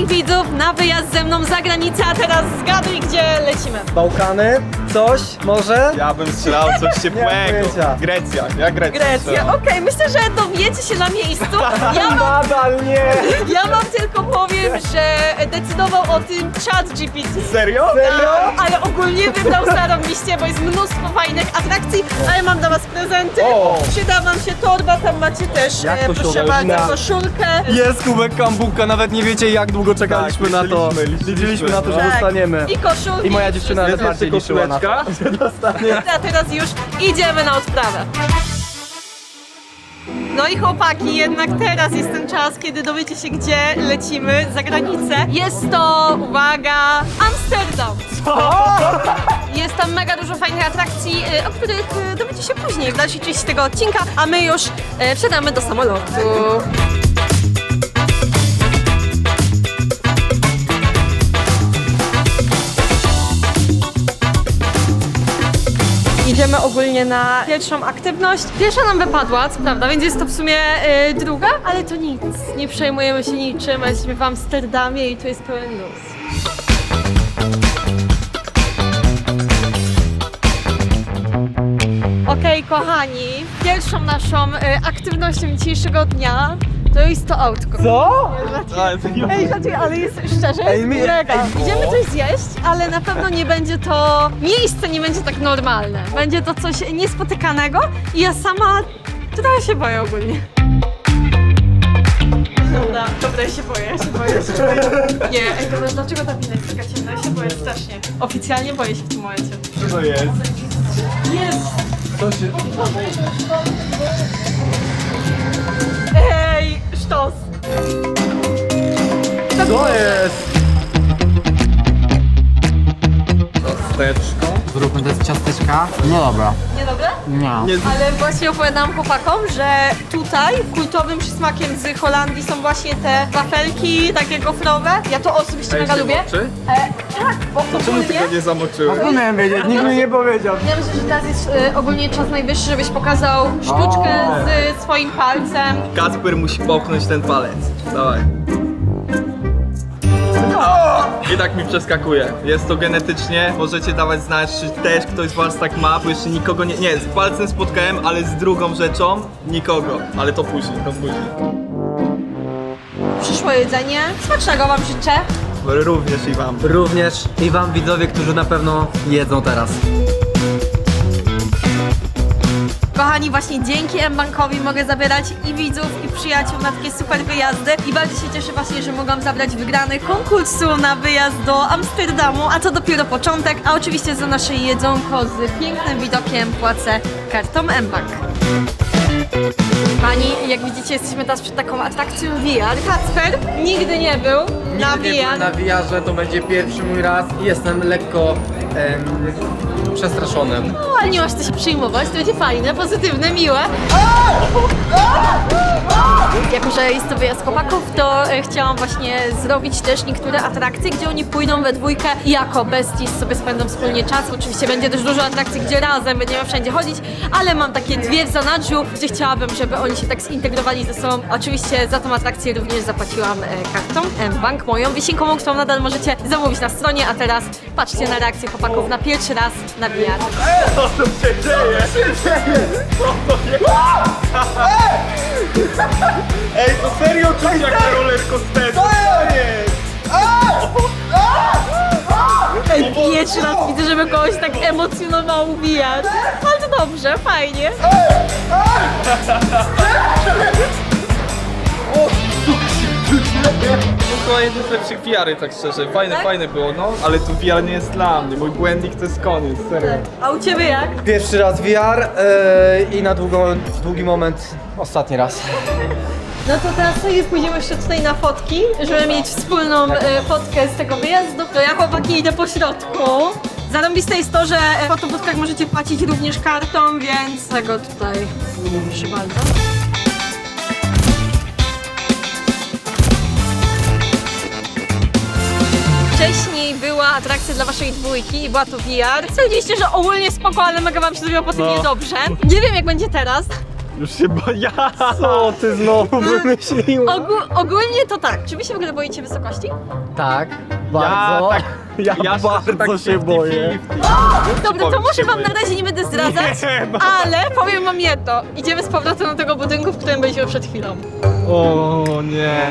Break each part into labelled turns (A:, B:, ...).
A: wszystkich widzów na wyjazd ze mną za granicę, a teraz zgaduj, gdzie lecimy.
B: Bałkany? Coś? Może?
C: Ja bym strzelał coś ciepłego.
B: pojęcia.
C: Grecja, ja Grecja.
A: Grecja, okej, myślę, że dowiecie się na miejscu.
B: Nadal nie!
A: Ja wam tylko powiem, że decydował o tym ChatGPT.
C: Serio?
B: Serio?
A: Ale ogólnie wybrał zarobiście, bo jest mnóstwo fajnych atrakcji, ale mam dla was prezenty.
B: O!
A: Przyda wam się torba, tam macie też,
B: Jak
A: proszę
B: koszulka?
A: bardzo, koszulkę.
B: Jest kubek kambuka, nawet nie wiecie jak długo czekaliśmy
C: Tak,
B: na to.
C: liczyliśmy
B: Liczyliśmy na to, że
A: Tak.
B: dostaniemy.
A: I koszulki.
B: I moja dziewczyna nawet
C: Jest
B: bardziej
C: jeszcze
B: liczyła na to.
C: koszuleczka?
A: A teraz już idziemy na odprawę. No i chłopaki, jednak teraz jest ten czas, kiedy dowiecie się, gdzie lecimy za granicę. Jest to, uwaga, Amsterdam. Jest tam mega dużo fajnych atrakcji, o których dowiecie się później w dalszej części tego odcinka, a my już wsiadamy do samolotu. Idziemy ogólnie na pierwszą aktywność. Pierwsza nam wypadła, co prawda, więc jest to w sumie druga, ale to nic. Nie przejmujemy się niczym, jesteśmy w Amsterdamie i tu jest pełen luz. Okej, kochani, pierwszą naszą aktywnością dzisiejszego dnia to jest to autko.
B: Co?
A: Ej, żartuję, ale jest szczerze,
B: Ej,
A: jest
B: mi-
A: mega.
B: ej,
A: Idziemy coś zjeść, ale na pewno nie będzie to, miejsce nie będzie tak normalne. Będzie to coś niespotykanego i ja sama trochę się boję ogólnie. Dobra, ja się boję. Nie, ej, to dlaczego ta wina jest taka ciemna? Ja się boję strasznie. Oficjalnie boję się w tym momencie.
C: Co to jest?
A: Jest!
B: Co się...
A: Ej, sztos!
B: Co jest?
C: Ciasteczko.
D: Zróbmy te ciasteczka. No dobra.
A: Niedobre?
D: Nie.
A: Ale właśnie opowiadałam chłopakom, że tutaj kultowym przysmakiem z Holandii są właśnie te wafelki takie gofrowe. Ja to osobiście mega lubię. Tak, bo
C: Czemu ty
A: ogólnie...
C: go nie zamoczyłeś?
B: Nie miałem wiedzieć, nikt mi nie powiedział.
A: Ja myślę, że teraz jest ogólnie czas najwyższy, żebyś pokazał sztuczkę z swoim palcem.
C: Kacper musi popchnąć ten palec. Dawaj. I tak mi przeskakuje. Jest to genetycznie. Możecie dawać znać, czy też ktoś z was tak ma, bo jeszcze nikogo nie... Nie, z palcem spotkałem, ale z drugą rzeczą nikogo. Ale to później, to później.
A: Przyszło jedzenie. Smacznego wam życzę.
C: Również i wam.
B: Również i wam widzowie, którzy na pewno jedzą teraz.
A: Kochani, właśnie dzięki mBankowi mogę zabierać i widzów, i przyjaciół na takie super wyjazdy. I bardzo się cieszę właśnie, że mogłam zabrać wygranych konkursu na wyjazd do Amsterdamu, a to dopiero początek. A oczywiście za nasze jedzonko z pięknym widokiem płacę kartą mBank. Pani, jak widzicie, jesteśmy teraz przed taką atrakcją VR. Kacper nigdy nie był na
B: Nigdy nie byłem na
A: VR.
B: VR-ze, to będzie pierwszy mój raz i jestem lekko przestraszony.
A: No, ale nie masz co się przyjmować, to będzie fajne, pozytywne, miłe. Jako że jest to wyjazd chłopaków, to chciałam właśnie zrobić też niektóre atrakcje, gdzie oni pójdą we dwójkę i jako besties sobie spędzą wspólnie czas. Oczywiście będzie też dużo atrakcji, gdzie razem będziemy wszędzie chodzić, ale mam takie dwie w zanadrzu, gdzie chciałabym, żeby oni się tak zintegrowali ze sobą. Oczywiście za tą atrakcję również zapłaciłam kartą mBank, moją wisienką, którą nadal możecie zamówić na stronie, a teraz patrzcie na reakcję chłopaków na pierwszy raz na VR.
C: Co tu się dzieje? Ej, to serio czuć jak na rollercoasterze. Co jest?
A: Ej, pierwszy raz widzę, żeby kogoś tak emocjonował VR. Ale to dobrze, fajnie.
C: To była jedna z lepszych VR-y, tak szczerze. Fajne,
A: Tak?
C: fajne było, no. Ale tu VR nie jest dla mnie. Mój błędnik to jest koniec, serio.
A: A u ciebie jak?
B: Pierwszy raz VR i na długi moment ostatni raz.
A: No to teraz sobie pójdziemy jeszcze tutaj na fotki, żeby mieć wspólną fotkę z tego wyjazdu. To ja, chłopaki, idę po środku. Zarąbiste jest to, że w fotobudkach możecie płacić również kartą, więc tego tutaj proszę bardzo. Wcześniej była atrakcja dla waszej dwójki i była to VR. Stwierdziliście, że ogólnie spoko, ale mega wam się zrobiło po tym
C: No.
A: niedobrze. Nie wiem jak będzie teraz.
C: Już się boję.
B: Co ty znowu wymyśliłeś?
A: Ogólnie to tak. Czy wy się w ogóle boicie wysokości?
B: Tak, bardzo. Ja bardzo się boję.
A: Dobra, to może wam na razie nie będę zdradzać, ale powiem wam jedno. Idziemy z powrotem do tego budynku, w którym byliśmy przed chwilą.
C: O nie.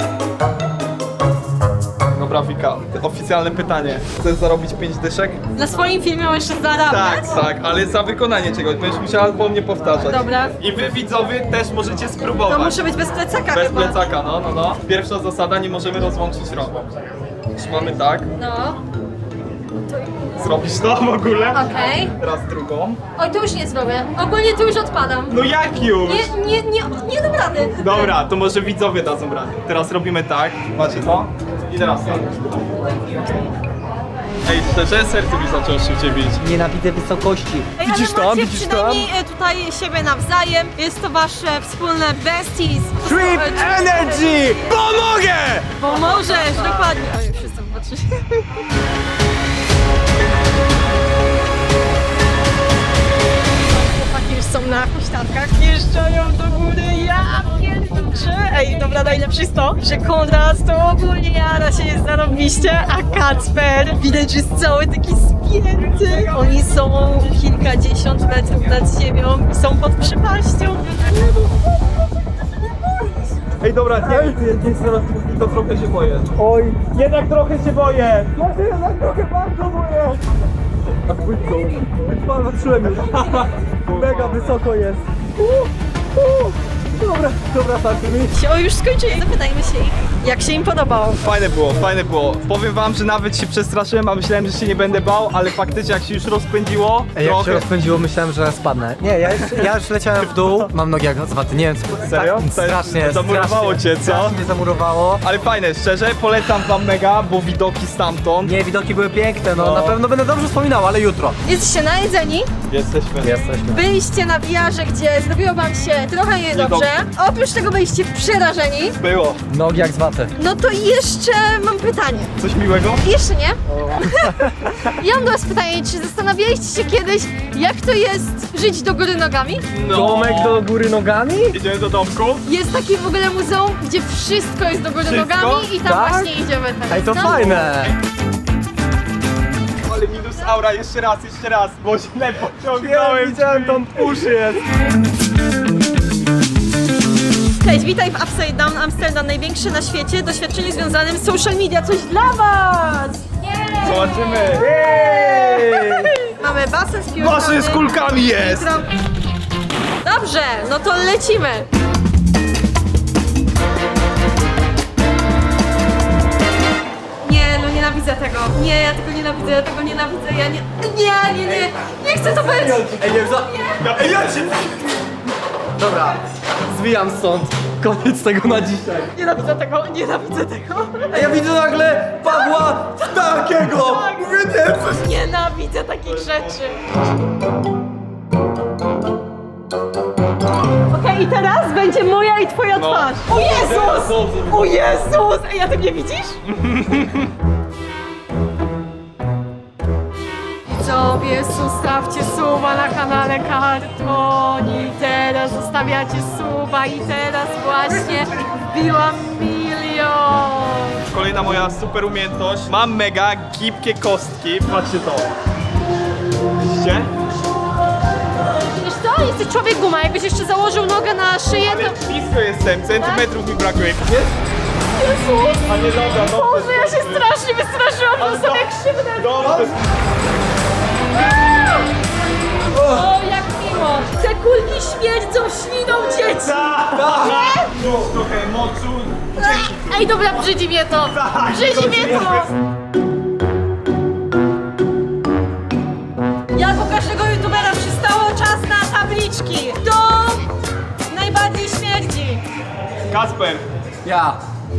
C: Dobra, Wika, oficjalne pytanie. Chcesz zarobić 5 dyszek?
A: Na swoim filmie możesz zarabiać.
C: Tak, ale za wykonanie czegoś. Będziesz musiała po mnie powtarzać.
A: Dobra.
C: I wy widzowie też możecie spróbować.
A: To muszę być bez plecaka
C: Bez
A: chyba.
C: plecaka, no. Pierwsza zasada, nie możemy rozłączyć rąk. Trzymamy tak.
A: No,
C: Zrobisz to w ogóle?
A: okej.
C: Teraz drugą.
A: Oj, to już nie zrobię. Ogólnie to już odpadam.
C: No jak już?
A: Nie dam rady.
C: Dobra, to może widzowie dadzą radę. Teraz robimy tak. Macie to? I teraz tak. Ej, szczerze, serce mi zaczęło szybciej bić.
B: Nienawidzę wysokości.
A: Ej,
B: Widzisz
A: ale
B: tam?
A: macie
B: Widzisz tam?
A: przynajmniej tutaj siebie nawzajem. Jest to wasze wspólne besties.
B: Trip Energy! Pomogę!
A: Pomożesz, dokładnie. Oj, wszyscy popatrzyli. Chłopaki już są na huśtawkach, jeżdżają do góry, ja pierdolę. Ej, dobra, najlepsze jest to, że Konrad to ogólnie jara się jest zarobiście, a Kacper widać, że jest cały taki spięty. Oni są kilkadziesiąt metrów nad ziemią i są pod przepaścią.
C: Ej, dobra, nie zaraz to trochę się boję. Oj, jednak trochę się boję. Ja się jednak trochę bardzo boję. A płytką. Patrzyłem już. Mega wysoko jest. Dobra, starczy mi.
A: O, już skończyli. Zapytajmy się ich, jak się im podobało.
C: Fajne było. Powiem wam, że nawet się przestraszyłem, a myślałem, że się nie będę bał, ale faktycznie jak się już rozpędziło,
B: Ej, jak
C: trochę...
B: się rozpędziło, myślałem, że spadnę. Nie, ja już leciałem w dół. Mam nogi jak zwaty, nie wiem co.
C: Serio?
B: Tak, strasznie.
C: Zamurowało cię, co?
B: Strasznie mnie zamurowało.
C: Ale fajne, szczerze, polecam wam mega, bo widoki stamtąd.
B: Nie, widoki były piękne, no
C: No.
B: na pewno będę dobrze wspominał, ale jutro.
A: Jesteście najedzeni?
C: Jesteśmy.
A: Byliście na VR-ze, gdzie zrobiło wam się trochę niedobrze. Oprócz tego byliście przerażeni.
C: Było.
B: Nogi jak zwaty.
A: No to jeszcze mam pytanie.
C: Coś miłego?
A: Jeszcze nie? Ja mam do was pytanie, czy zastanawialiście się kiedyś, jak to jest żyć do góry nogami?
C: No.
B: Domek do góry nogami?
C: Idziemy do domku?
A: Jest takie w ogóle muzeum, gdzie wszystko jest do góry
C: Wszystko?
A: nogami i tam
B: Tak?
A: właśnie idziemy teraz.
B: Ej, to
A: No.
B: fajne.
C: Ale minus aura, jeszcze raz, bo źle pociągnąłem.
B: Widziałem tam uszy jest.
A: Cześć, witaj w Upside Down Amsterdam, największe na świecie doświadczenie związanym z social media. Coś dla was!
C: Zobaczymy.
A: Mamy basen z piłkami.
C: Basen z kulkami jest!
A: Dobrze, no to lecimy. Nie, no nienawidzę tego. Nie, ja tego nienawidzę, ja nie chcę to być.
B: Ej, nie, Dobra, zwijam stąd. Koniec tego na dzisiaj.
A: Nienawidzę tego.
B: Ej, ja widzę nagle Pawła takiego. Mówię, nie, coś.
A: Nienawidzę takich rzeczy. Okej, i teraz będzie moja i twoja twarz. O Jezus! O Jezus! Ej, a ty mnie widzisz? Widzowie, zostawcie suba na kanale Kartoni. Teraz zostawiacie suba i teraz właśnie wbiłam 1 000 000.
C: Kolejna moja super umiejętność. Mam mega gibkie kostki. Patrzcie to. Widzicie?
A: Wiesz co? Jesteś człowiek guma. Jakbyś jeszcze założył nogę na szyję,
C: Ale
A: to...
C: blisko jestem, centymetrów mi brakuje. Jest?
A: Jezus!
C: A nie dobra, dobrze.
A: Boże, ja się strasznie wystraszyłam, to są jak krzywdę.
C: Dobrze.
A: O, jak miło! Te kulki śmierdzą śliną dzieci!
C: Trochę mocu. Dzięki.
A: Ej, dobra, brzydzi mnie to! Brzydzi mnie to! Jak u każdego youtubera przystało czas na tabliczki. Kto najbardziej śmierdzi?
C: Kasper.
B: Ja.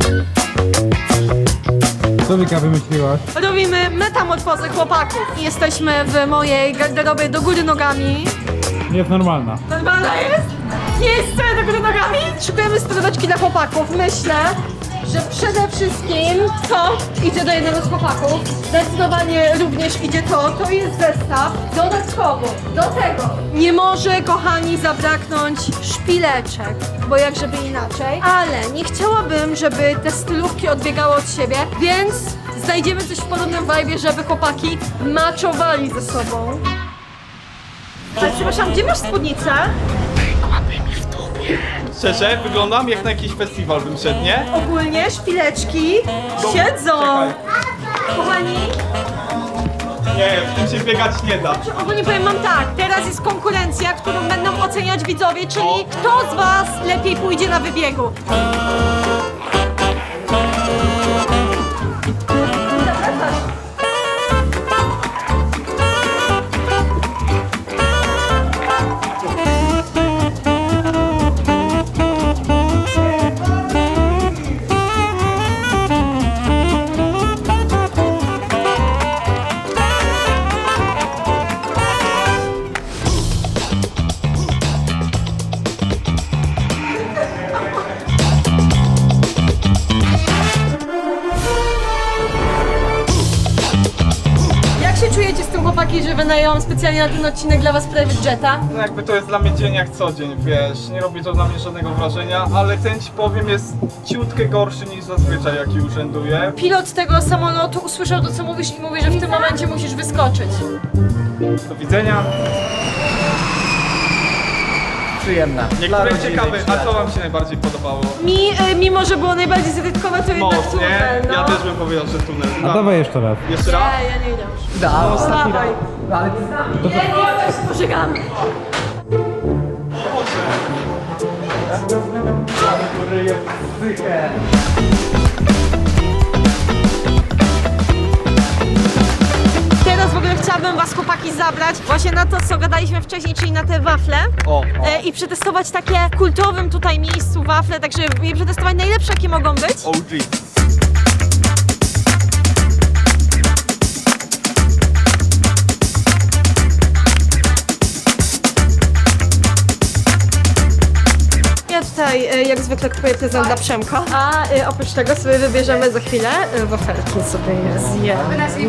E: Co Wika wymyśliłaś?
A: Robimy metamorfozę chłopaków. Jesteśmy w mojej garderobie do góry nogami.
E: Nie jest normalna.
A: Normalna jest? Nie jest wcale do góry nogami? Szykujemy spróbeczki dla chłopaków. Myślę, że przede wszystkim to idzie do jednego z chłopaków. Zdecydowanie również idzie to jest zestaw. Dodatkowo do tego nie może, kochani, zabraknąć szpileczek, bo jak żeby inaczej. Ale nie chciałabym, żeby te stylówki odbiegały od siebie, więc znajdziemy coś w podobnym vibe'ie, żeby chłopaki maczowali ze sobą. Ale przepraszam, gdzie masz spódnicę?
C: Szczerze, wyglądam jak na jakiś festiwal bym szedł, nie?
A: Ogólnie szpileczki siedzą.
C: Czekaj.
A: Kochani,
C: Nie, w tym się biegać nie da.
A: ogólnie powiem wam tak, teraz jest konkurencja, którą będą oceniać widzowie, czyli kto z was lepiej pójdzie na wybiegu. Jak się czujecie z tym, chłopaki, że wynająłam specjalnie na ten odcinek dla was private jeta?
C: No jakby to jest dla mnie dzień jak co dzień, wiesz, nie robi to dla mnie żadnego wrażenia, ale ten ci powiem jest ciutkę gorszy niż zazwyczaj jaki urzęduje.
A: Pilot tego samolotu usłyszał to, co mówisz i mówi, że w tym momencie musisz wyskoczyć.
C: Do widzenia.
B: Przyjemne.
C: Niektóre
B: Dla
C: ciekawe,
B: rodziny,
C: a co wam się najbardziej podobało?
A: Mi, mimo że było najbardziej zabytkowe, to jednak
C: Most, nie?
A: tunel, no.
C: Ja też bym powiedział, że tunel.
E: A dawaj jeszcze raz.
C: Jeszcze raz?
A: Nie, ja nie idę już.
B: Da, ostatni
A: Dawaj.
B: raz. Ale
A: Nie, ja też pożegam. Teraz w ogóle chciałabym was, chłopaki, zabrać właśnie na to, co gadaliśmy wcześniej, czyli na te wafle. I przetestować takie w kultowym tutaj miejscu wafle, także je przetestować najlepsze, jakie mogą być.
C: OG.
A: Ja tutaj jak zwykle kupuję prezent dla Przemka, a oprócz tego sobie wybierzemy za chwilę wafelki sobie je zjemy.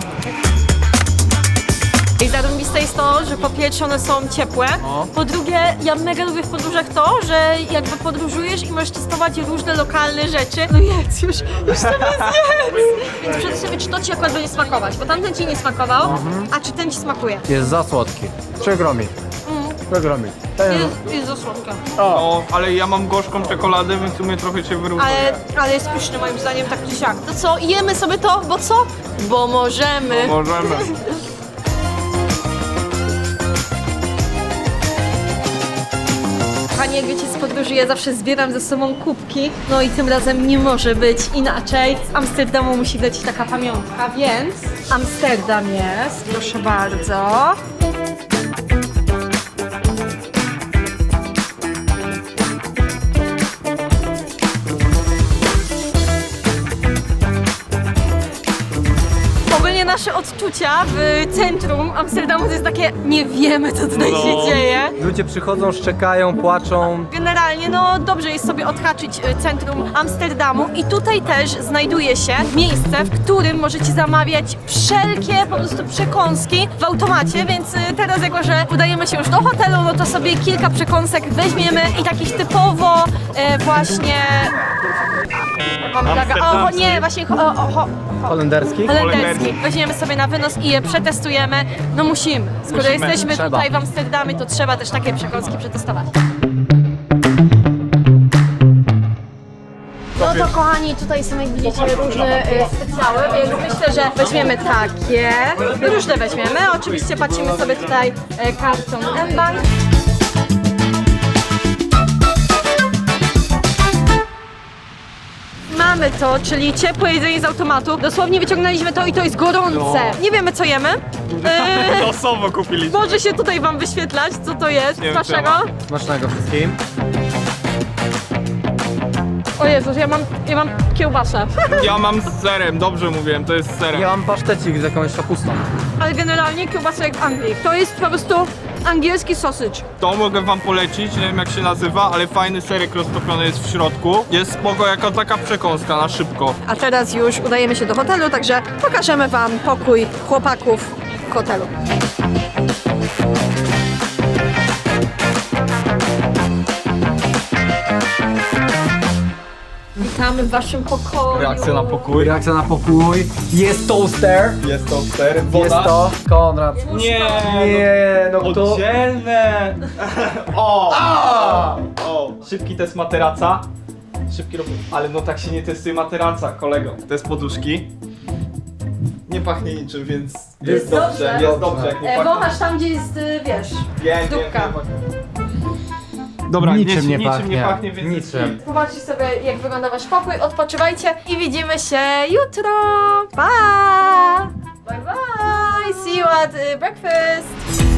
A: I zarąbiste jest to, że po pierwsze one są ciepłe, po drugie ja mega lubię w podróżach to, że jakby podróżujesz i możesz testować różne lokalne rzeczy. No jedz już sobie zjedz! Więc przede sobie, czy to ci akurat będzie smakować, bo tamten ci nie smakował, a czy ten ci smakuje?
B: jest za słodki. Przykro mi. Przykro mi.
A: Jest za słodka.
C: No, ale ja mam gorzką czekoladę, więc w sumie trochę się wyrównuje.
A: Ale jest pyszny moim zdaniem, tak czy siak. To co, jemy sobie to, bo co? Bo możemy.
C: Możemy.
A: Kochani, jak wiecie, z podróży ja zawsze zbieram ze sobą kubki, no i tym razem nie może być inaczej. Z Amsterdamu musi lecieć taka pamiątka, więc Amsterdam jest, proszę bardzo. Ogólnie nasze odczucia w centrum Amsterdamu to jest takie, nie wiemy, co tutaj się dzieje.
B: Ludzie przychodzą, szczekają, płaczą.
A: Generalnie, no dobrze jest sobie odhaczyć centrum Amsterdamu i tutaj też znajduje się miejsce, w którym możecie zamawiać wszelkie po prostu przekąski w automacie, więc teraz jako, że udajemy się już do hotelu, no to sobie kilka przekąsek weźmiemy i takich typowo właśnie... O, nie, właśnie
B: Holenderski.
A: holenderski. Weźmiemy sobie na wynos i je przetestujemy. No musimy. Skoro jesteśmy
B: Trzeba.
A: tutaj w Amsterdamie, to trzeba też takie przekąski przetestować. No to kochani, tutaj są jak widzicie różne specjały, więc myślę, że weźmiemy takie. Różne weźmiemy. Oczywiście płacimy sobie tutaj kartą mBank. Mamy to, czyli ciepłe jedzenie z automatu. Dosłownie wyciągnęliśmy to i to jest gorące. Nie wiemy, co jemy.
C: Losowo kupiliśmy.
A: Może się tutaj wam wyświetlać, co to jest.
C: Nie wiem,
A: Waszego?
B: Smacznego wszystkim.
A: O Jezus, ja mam kiełbasę.
C: Ja mam z serem, dobrze mówiłem, to jest z serem.
B: Ja mam pasztecik z jakąś kapustą.
A: Ale generalnie kiełbasa jak w Anglii. To jest po prostu angielski sausage.
C: To mogę wam polecić, nie wiem jak się nazywa, ale fajny serek roztopiony jest w środku. Jest spoko, jaka taka przekąska na szybko.
A: A teraz już udajemy się do hotelu, także pokażemy wam pokój chłopaków w hotelu. Witamy w waszym pokoju.
C: Reakcja na pokój.
D: Reakcja na pokój. Jest toaster.
C: Jest toster, woda.
D: Jest to. Konrad.
C: Nie,
B: Nie, no to...
C: oddzielne. O! O! Szybki test materaca. Szybki robię. Ale no tak się nie testuje materaca, kolego. Test poduszki. Nie pachnie niczym, więc jest dobrze. Jest dobrze, jak nie pachnie.
A: Wąchasz tam, gdzie jest, wiesz,
C: Wiem,
A: dupka.
C: Dobra,
D: Niczym nie
C: niczym nie
D: pachnie.
C: pachnie, więc
D: Niczym.
A: Zobaczcie sobie, jak wygląda wasz pokój, odpoczywajcie i widzimy się jutro. Pa! Bye bye! See you at breakfast!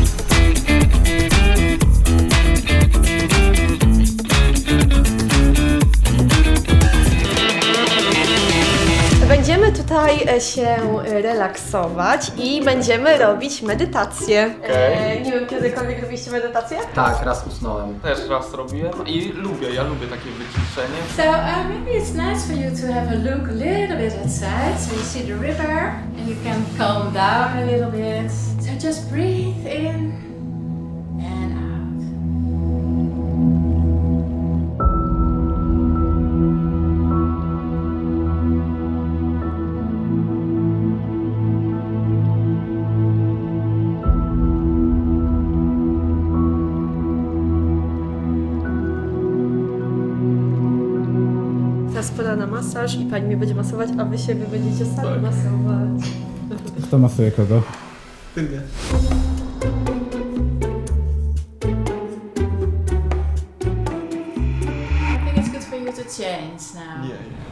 A: Będziemy tutaj się relaksować i będziemy robić medytację.
C: Okej.
A: Nie wiem, kiedykolwiek robiliście medytację?
D: Tak, raz usnąłem.
C: Też raz robiłem i ja lubię takie wyciszenie.
F: So maybe it's nice for you to have a look a little bit outside, so you see the river and you can calm down a little bit. So just breathe in and out.
A: Teraz pora na masaż i pani mnie będzie masować, a wy siebie będziecie sami masować.
E: Kto masuje kogo?
F: I think it's good for you to change now.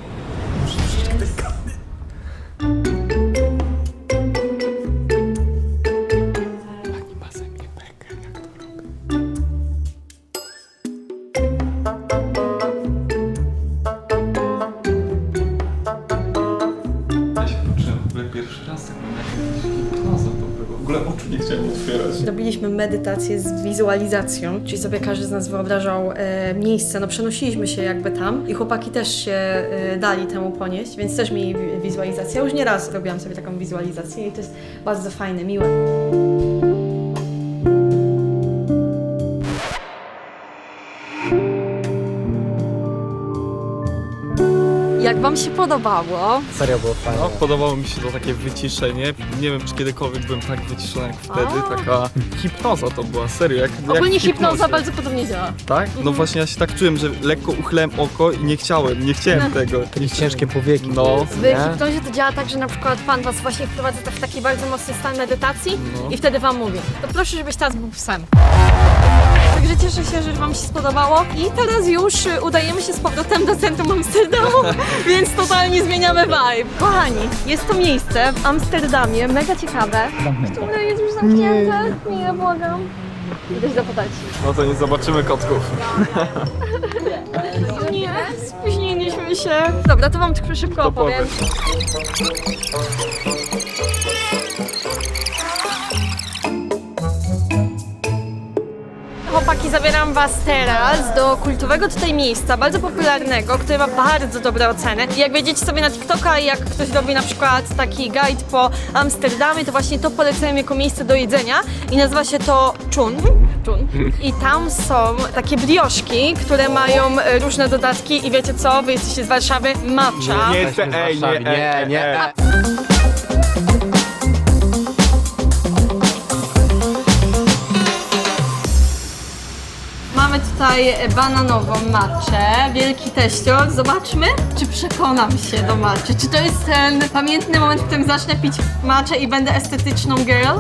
C: Ja się poczułem w ogóle pierwszy raz, tak mam jakieś hipnoza to było. W ogóle oczu nie chciałem otwierać.
A: Robiliśmy medytację z wizualizacją, czyli sobie każdy z nas wyobrażał miejsce, no przenosiliśmy się jakby tam i chłopaki też się dali temu ponieść, więc też mieli wizualizację. Ja już nieraz robiłam sobie taką wizualizację i to jest bardzo fajne, miłe. Jak wam się podobało?
D: Serio było fajnie.
C: No, podobało mi się to takie wyciszenie. Nie wiem, czy kiedykolwiek byłem tak wyciszony jak wtedy. Taka hipnoza to była, serio. Jak
A: Ogólnie
C: w
A: hipnoza
C: hipnozie.
A: bardzo podobnie działa.
C: Tak? No właśnie ja się tak czułem, że lekko uchylałem oko i nie chciałem tego.
D: Ciężkie powieki.
C: No.
A: W hipnozie to działa tak, że na przykład pan was właśnie wprowadza w taki bardzo mocny stan medytacji i wtedy wam mówi, to proszę, żebyś teraz był psem. Także cieszę się, że wam się spodobało i teraz już udajemy się z powrotem do centrum Amsterdamu, więc totalnie zmieniamy vibe. Kochani, jest to miejsce w Amsterdamie, mega ciekawe, które jest już zamknięte. Nie, błagam. Idę się zapytać.
C: No to nie zobaczymy kotków.
A: Nie, spóźniliśmy się. Dobra, to wam tylko szybko opowiem. Chłopaki, zabieram was teraz do kultowego tutaj miejsca, bardzo popularnego, które ma bardzo dobre oceny. I jak wejdziecie sobie na TikToka i jak ktoś robi na przykład taki guide po Amsterdamie, to właśnie to polecają jako miejsce do jedzenia i nazywa się to Chun. I tam są takie brioszki, które mają różne dodatki i wiecie co, wy jesteście z Warszawy, matcha.
C: Nie,
D: Jesteśmy w Warszawie. Nie.
A: Mamy tutaj bananową matchę, wielki teścior. Zobaczmy, czy przekonam się do matchy. Czy to jest ten pamiętny moment, w którym zacznę pić matchę i będę estetyczną girl?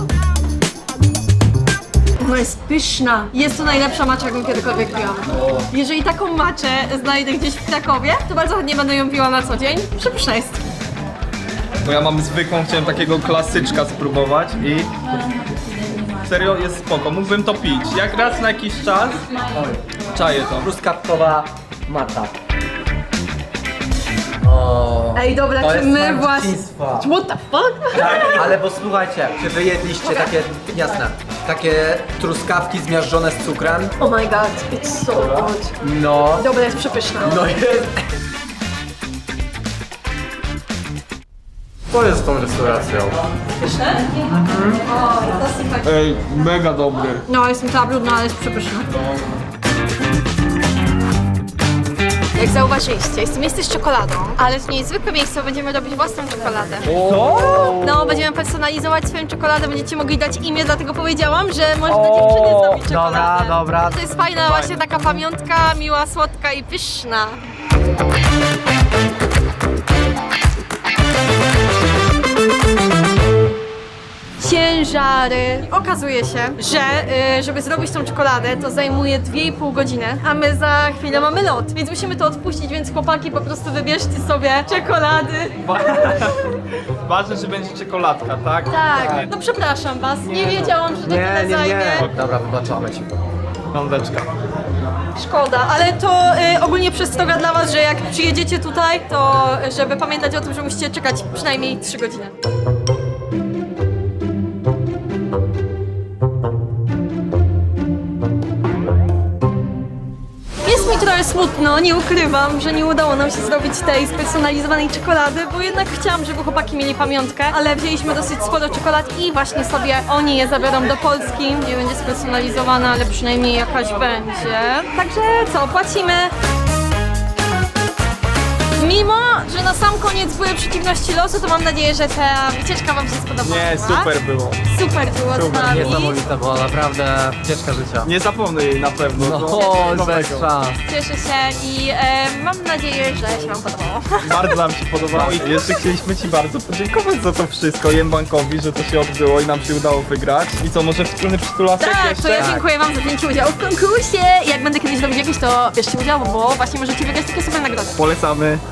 A: Ona jest pyszna. Jest to najlepsza matcha, jaką kiedykolwiek piłam. Jeżeli taką matchę znajdę gdzieś w Krakowie, to bardzo chętnie będę ją piła na co dzień. Przepyszna jest.
C: Bo ja mam zwykłą, chciałem takiego klasyczka spróbować i serio jest spoko, mógłbym to pić. Jak raz na jakiś czas, czaję to.
B: Truskawkowa mata.
D: O,
A: Ej, dobra,
D: to
A: czy
D: jest
A: my
D: smak
A: właśnie...
D: dzieciństwa.
A: What the fuck?
D: Tak, ale bo słuchajcie, czy wy jedliście takie, jasne, takie truskawki zmiażdżone z cukrem?
A: Oh my god, it's so good.
D: No.
A: Dobra, jest przepyszna.
D: No jest. Co jest z tą restauracją?
C: Ej, mega dobry.
A: No, jestem cała brudna, ale jest przepyszna. Jak zauważyliście, jest to miejsce z czekoladą, ale to nie jest zwykłe miejsce, bo będziemy robić własną czekoladę. No, będziemy personalizować swoją czekoladę, będziecie mogli dać imię, dlatego powiedziałam, że można dziewczynie zrobić czekoladę.
D: dobra.
A: To jest fajna właśnie taka pamiątka, miła, słodka i pyszna. Ciężary. Okazuje się, że żeby zrobić tą czekoladę, to zajmuje 2,5 godziny, a my za chwilę mamy lot, więc musimy to odpuścić, więc chłopaki po prostu wybierzcie sobie czekolady.
C: Ważne, że będzie czekoladka, tak?
A: Tak, no przepraszam was, nie wiedziałam, że to tyle zajmie.
D: Dobra, wybaczamy ci.
C: Lądeczka.
A: Szkoda, ale to ogólnie przestroga dla was, że jak przyjedziecie tutaj, to żeby pamiętać o tym, że musicie czekać przynajmniej 3 godziny. Jest mi trochę smutno, nie ukrywam, że nie udało nam się zrobić tej spersonalizowanej czekolady, bo jednak chciałam, żeby chłopaki mieli pamiątkę, ale wzięliśmy dosyć sporo czekolad i właśnie sobie oni je zabiorą do Polski. Nie będzie spersonalizowana, ale przynajmniej jakaś będzie. Także co, płacimy. Mimo, że na sam koniec były przeciwności losu, to mam nadzieję, że ta wycieczka wam się spodobała.
C: Nie, super było.
A: Super było z
C: Super,
A: nami.
D: Niesamowita była, naprawdę ścieżka życia.
C: Nie zapomnę jej na pewno.
D: No,
C: To
D: bez szans.
A: Cieszę się i mam nadzieję, że się wam podobało.
C: Bardzo nam się podobało i jeszcze chcieliśmy ci bardzo podziękować za to wszystko Jembankowi, że to się odbyło i nam się udało wygrać. I co, może wspólny przytulasek
A: Tak,
C: jeszcze?
A: to ja dziękuję wam za wzięcie udziału w konkursie. Jak będę kiedyś robić jakiś, to bierzcie udział, bo właśnie możecie wygrać takie super nagrody.
C: Polecamy.